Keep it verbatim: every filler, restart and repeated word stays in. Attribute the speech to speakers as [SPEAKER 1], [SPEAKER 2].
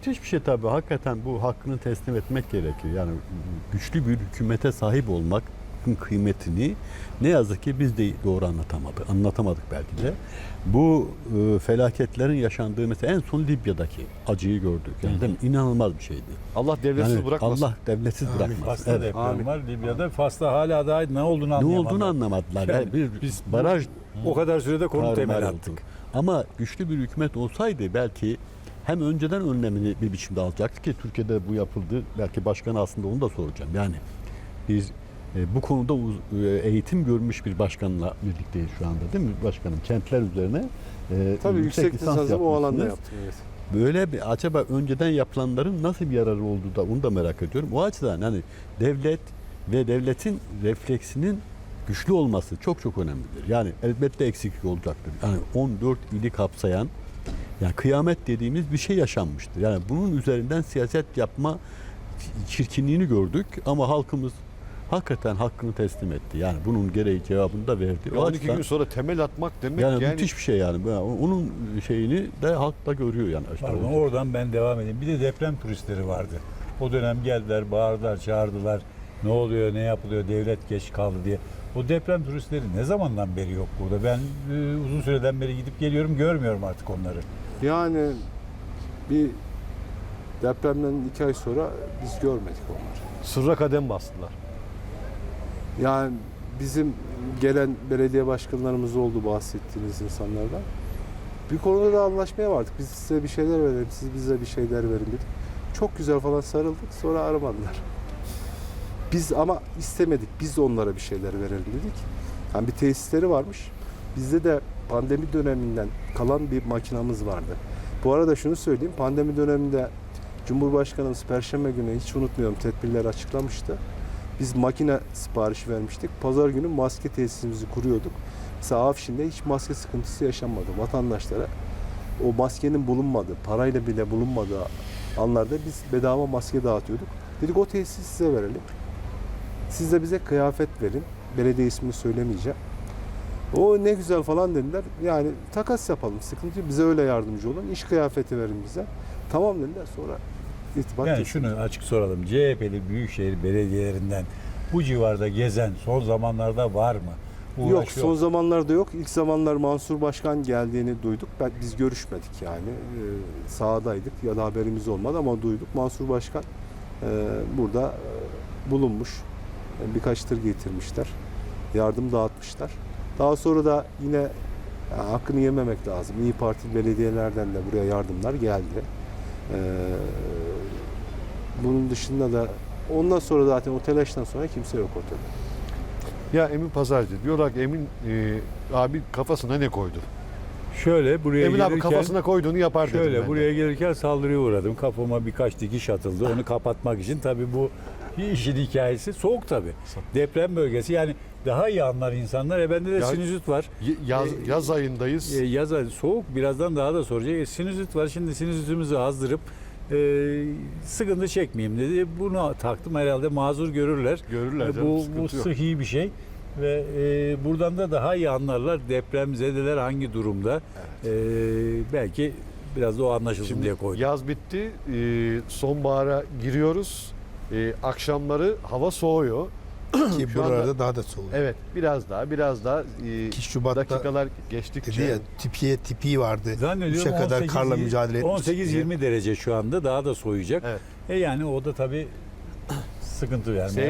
[SPEAKER 1] müthiş bir şey tabii. Hakikaten bu hakkını teslim etmek gerekiyor. Yani güçlü bir hükümete sahip olmak kıymetini ne yazık ki biz de doğru anlatamadık. Anlatamadık belki de. Bu e, felaketlerin yaşandığı mesela en son Libya'daki acıyı gördük. Yani değil mi? İnanılmaz bir şeydi.
[SPEAKER 2] Allah devletsiz
[SPEAKER 1] Yani
[SPEAKER 2] bırakmasın.
[SPEAKER 1] Allah devletsiz bırakmasın.
[SPEAKER 3] Fas'ta
[SPEAKER 1] Evet.
[SPEAKER 3] deprem
[SPEAKER 2] Amin.
[SPEAKER 3] var. Libya'da Fas'ta hala daha ne olduğunu
[SPEAKER 1] Ne
[SPEAKER 3] anlayamadılar.
[SPEAKER 1] olduğunu anlamadılar.
[SPEAKER 3] Yani
[SPEAKER 1] Yani bir
[SPEAKER 3] biz
[SPEAKER 1] baraj
[SPEAKER 3] o kadar sürede konu
[SPEAKER 1] tarumar
[SPEAKER 3] temel
[SPEAKER 1] oldu.
[SPEAKER 3] attık.
[SPEAKER 1] Ama güçlü bir hükümet olsaydı belki hem önceden önlemini bir biçimde alacaktı ki Türkiye'de bu yapıldı. Belki başkan aslında onu da soracağım. Yani biz e, bu konuda uz, e, eğitim görmüş bir başkanla birlikteyiz şu anda değil mi başkanım? Kentler üzerine e,
[SPEAKER 2] Tabii yüksek lisansımı o alanda yaptım. Evet.
[SPEAKER 1] Böyle bir acaba önceden yapılanların nasıl bir yararı olduğu da onu da merak ediyorum. O açıdan hani devlet ve devletin refleksinin güçlü olması çok çok önemlidir. Yani elbette eksiklik olacaktır. Yani on dört ili kapsayan yani kıyamet dediğimiz bir şey yaşanmıştır. Yani bunun üzerinden siyaset yapma çirkinliğini gördük ama halkımız hakikaten hakkını teslim etti. Yani bunun gereği cevabını da verdi.
[SPEAKER 2] on iki gün sonra temel atmak demek
[SPEAKER 1] yani,
[SPEAKER 2] yani,
[SPEAKER 1] müthiş bir şey yani. Onun şeyini de halk da görüyor yani. İşte
[SPEAKER 3] Pardon,
[SPEAKER 1] o-
[SPEAKER 3] oradan ben devam edeyim. Bir de deprem turistleri vardı. O dönem geldiler, bağırdılar, çağırdılar. Ne oluyor, ne yapılıyor, devlet geç kaldı diye. O deprem turistleri ne zamandan beri yok burada? Ben e, uzun süreden beri gidip geliyorum, görmüyorum artık onları.
[SPEAKER 2] yani bir depremden iki ay sonra biz görmedik onları. Sırra kadem bastılar. Yani bizim gelen belediye başkanlarımız oldu bahsettiğiniz insanlardan. Bir konuda da anlaşmaya vardık. Biz size bir şeyler verelim, siz bize bir şeyler verin dedik. Çok güzel falan sarıldık, sonra aramadılar. Biz ama istemedik, biz de onlara bir şeyler verelim dedik. Yani bir tesisleri varmış. Bizde de pandemi döneminden kalan bir makinamız vardı. Bu arada şunu söyleyeyim, pandemi döneminde Cumhurbaşkanımız Perşembe günü hiç unutmuyorum tedbirleri açıklamıştı. Biz makine siparişi vermiştik. Pazar günü maske tesisimizi kuruyorduk. Mesela Afşin'de hiç maske sıkıntısı yaşanmadı. Vatandaşlara o maskenin bulunmadığı, parayla bile bulunmadığı anlarda biz bedava maske dağıtıyorduk. Dedik o tesisi size verelim. Siz de bize kıyafet verin. Belediye ismini söylemeyeceğim. O ne güzel falan dediler. Yani takas yapalım, sıkıntı yok. Bize öyle yardımcı olun. İş kıyafeti verin bize. Tamam dediler, sonra irtibat
[SPEAKER 3] Yani
[SPEAKER 2] kesildi.
[SPEAKER 3] şunu açık soralım. C H P'li büyükşehir belediyelerinden bu civarda gezen son zamanlarda var mı?
[SPEAKER 2] Yok,
[SPEAKER 3] Uğraşıyor.
[SPEAKER 2] son zamanlarda yok. İlk zamanlar Mansur Başkan geldiğini duyduk. Ben, biz görüşmedik yani. Ee, sahadaydık ya da haberimiz olmadı ama duyduk. Mansur Başkan e, burada e, bulunmuş. E, birkaç tır getirmişler. Yardım dağıtmışlar. Daha sonra da yine ya, hakkını yememek lazım. İyi Parti belediyelerden de buraya yardımlar geldi. Ee, bunun dışında da ondan sonra zaten o telaştan sonra kimse yok ortada.
[SPEAKER 4] Ya Emin Pazarcı diyorlar ki Emin e, abi kafasına ne koydu?
[SPEAKER 3] Şöyle buraya
[SPEAKER 4] Emin abi
[SPEAKER 3] gelirken
[SPEAKER 4] kafasına koyduğunu yapar dedim
[SPEAKER 3] şöyle
[SPEAKER 4] ben
[SPEAKER 3] buraya
[SPEAKER 4] de.
[SPEAKER 3] gelirken saldırıya uğradım. Kafama birkaç dikiş atıldı. Onu kapatmak için tabii bu işin hikayesi soğuk tabii. Deprem bölgesi yani daha iyi anlar insanlar. E bende de
[SPEAKER 4] Ya-
[SPEAKER 3] sinüzit var.
[SPEAKER 4] Y- Yaz,
[SPEAKER 3] E,
[SPEAKER 4] yaz ayındayız.
[SPEAKER 3] E, yaz ayı soğuk birazdan daha da soracak. E, sinüzit var. Şimdi sinüzitimizi azdırıp e, sıkıntı çekmeyeyim dedi. Bunu taktım, herhalde mazur görürler.
[SPEAKER 4] Görürler
[SPEAKER 3] E,
[SPEAKER 4] canım,
[SPEAKER 3] bu, bu
[SPEAKER 4] sıkıntı yok.
[SPEAKER 3] sıhhi bir şey. Ve e, buradan da daha iyi anlarlar depremzedeler hangi durumda. E, belki biraz da o anlaşılsın
[SPEAKER 4] Şimdi
[SPEAKER 3] diye koydum.
[SPEAKER 4] yaz bitti. E, sonbahara giriyoruz. E, akşamları hava soğuyor.
[SPEAKER 5] Ki
[SPEAKER 4] Şu
[SPEAKER 5] buralarda
[SPEAKER 4] anda-
[SPEAKER 5] daha da soğuk.
[SPEAKER 4] Evet, biraz daha biraz daha e,
[SPEAKER 5] iki Şubat'ta
[SPEAKER 4] dakikalar
[SPEAKER 5] dedi
[SPEAKER 4] geçtikçe
[SPEAKER 5] ya tipiye tipi vardı.
[SPEAKER 3] Zannediyorum
[SPEAKER 5] Üçe kadar
[SPEAKER 3] on sekiz
[SPEAKER 5] karla mücadele etmiş.
[SPEAKER 3] on sekiz yirmi derece şu anda, daha da soğuyacak.
[SPEAKER 4] Evet.
[SPEAKER 3] E yani o da tabii sıkıntı vermeye